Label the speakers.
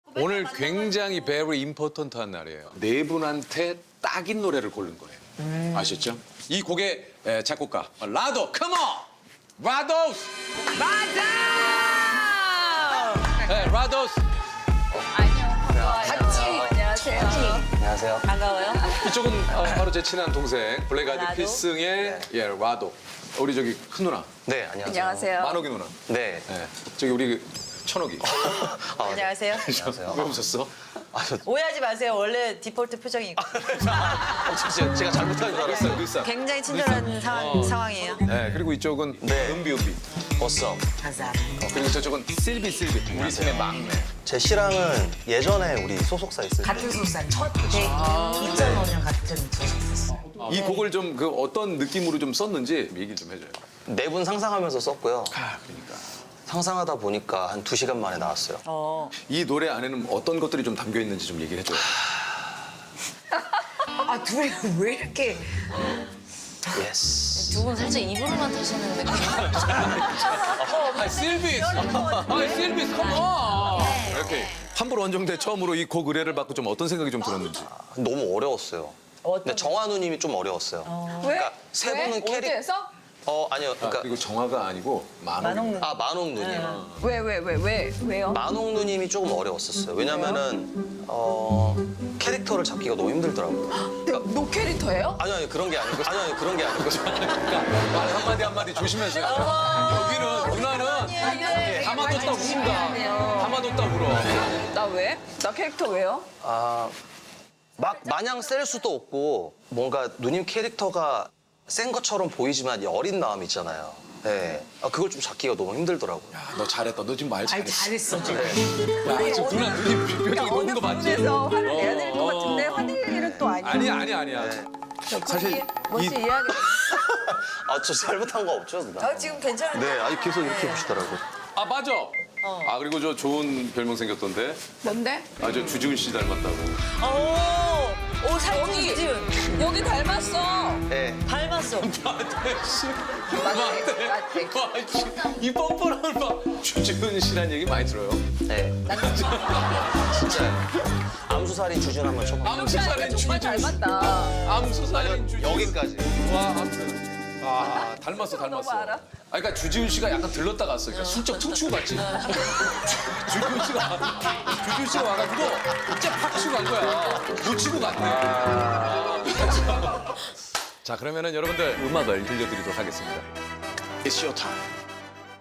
Speaker 1: 오늘 굉장히 very important한 날이에요. 네 분한테 딱인 노래를 고른 거예요. 아셨죠? 이 곡의 작곡가 라도, come on! 라도스!
Speaker 2: 맞아!
Speaker 1: 네, 라도스.
Speaker 2: 같이. 안녕하세요.
Speaker 3: 안녕하세요.
Speaker 2: 반가워요.
Speaker 1: 이쪽은 바로 제 친한 동생 블랙아이드
Speaker 2: 라도?
Speaker 1: 필승의 라도. 우리 저기 큰 누나,
Speaker 3: 네, 안녕하세요.
Speaker 2: 안녕하세요.
Speaker 1: 만옥이 누나.
Speaker 3: 네.
Speaker 1: 네. 저기 우리 천옥이.
Speaker 2: 안녕하세요.
Speaker 3: 안녕하세요.
Speaker 1: 왜 웃었어?
Speaker 2: 오해하지 마세요. 원래 디폴트 표정이고.
Speaker 3: 제가 잘못한 줄 알았어요.
Speaker 1: 글싸.
Speaker 2: 굉장히 친절한 상황이에요.
Speaker 1: 네, 그리고 이쪽은
Speaker 3: 네.
Speaker 1: 은비.
Speaker 3: 어썸.
Speaker 2: 감사합니다.
Speaker 1: 그리고 저쪽은 실비. 우리 팀의 막내.
Speaker 3: 제 씨랑은 예전에 우리 소속사 있을 때
Speaker 4: 같은 소속사 첫 데이트 2005년 같은 소속사.
Speaker 1: 이 곡을 좀 그 어떤 느낌으로 좀 썼는지 얘기 좀 해줘요.
Speaker 3: 네 분 상상하면서 썼고요.
Speaker 1: 그러니까.
Speaker 3: 상상하다 보니까 한 2시간 만에 나왔어요.
Speaker 1: 이 노래 안에는 어떤 것들이 좀 담겨 있는지 좀 얘기해 줘요.
Speaker 4: 아 둘이 왜 이렇게
Speaker 3: 예스.
Speaker 5: 두 분 살짝 입으로만 타시는 느낌.
Speaker 1: 실비, 컴온. 이렇게 환불 원정대 처음으로 이 곡 의뢰를 받고 좀 어떤 생각이 좀 들었는지.
Speaker 3: 너무 어려웠어요. 근데 정한우님이 좀 어려웠어요. 그러니까 세 분은 캐릭. 아니요. 그러니까
Speaker 1: 그리고 정화가 아니고 만옥.
Speaker 3: 만옥 누님.
Speaker 2: 왜요?
Speaker 3: 만옥 누님이 조금 어려웠었어요. 왜냐면은 캐릭터를 잡기가 너무 힘들더라고요.
Speaker 2: 노 캐릭터예요?
Speaker 3: 아니 그런 게 아니고. 그런 게 아니고.
Speaker 1: 말 한마디 조심해서. 여기는 누나는 담아뒀다 운다. 담아뒀다 울어.
Speaker 2: 나 왜? 나 캐릭터 왜요?
Speaker 3: 막 마냥 셀 수도 없고 뭔가 누님 캐릭터가 센 것처럼 보이지만 이 어린 마음 있잖아요. 네. 그걸 좀 잡기가 너무 힘들더라고요.
Speaker 1: 너 잘했다. 너 지금 말 잘했어.
Speaker 4: 잘했어 지금.
Speaker 1: 야, 지금 누나 눈이 표정이 노는 거 맞지?
Speaker 2: 그래서 화를 내야 될 것 같은데 화낼 일은 또 아니야.
Speaker 1: 아니야.
Speaker 3: 네.
Speaker 1: 사실
Speaker 2: 뭔지
Speaker 1: 이
Speaker 2: 이해하겠어.
Speaker 3: 저 잘못한 거 없죠, 누나?
Speaker 2: 저 지금 괜찮은데?
Speaker 3: 네, 아니 계속 이렇게 보시더라고요.
Speaker 1: 맞아. 그리고 저 좋은 별명 생겼던데.
Speaker 2: 뭔데?
Speaker 1: 저 주지훈 씨 닮았다고.
Speaker 2: 오, 살찐 주지훈. 여기 닮았어.
Speaker 3: 네.
Speaker 2: 닮았어.
Speaker 1: 이 뻔뻔함을 봐. 주지훈 씨란 얘기 많이 들어요.
Speaker 3: 네. 진짜요. 암수살인 주준 한번 쳐봐.
Speaker 1: 암수살인
Speaker 2: 정말
Speaker 1: 주지훈.
Speaker 2: 닮았다.
Speaker 1: 암수살인 주지훈.
Speaker 3: 여기까지.
Speaker 1: 와, 아무튼. 닮았어.
Speaker 2: 알아?
Speaker 1: 그러니까 주지훈 씨가 약간 들렀다 갔어. 그러니까 슬쩍 퉁치고 갔지. 주지훈 씨가 와가지고 진짜 팍 치고 간 거야. 놓치고 갔네. 자, 그러면은 여러분들 음악을 들려드리도록 하겠습니다. It's your time.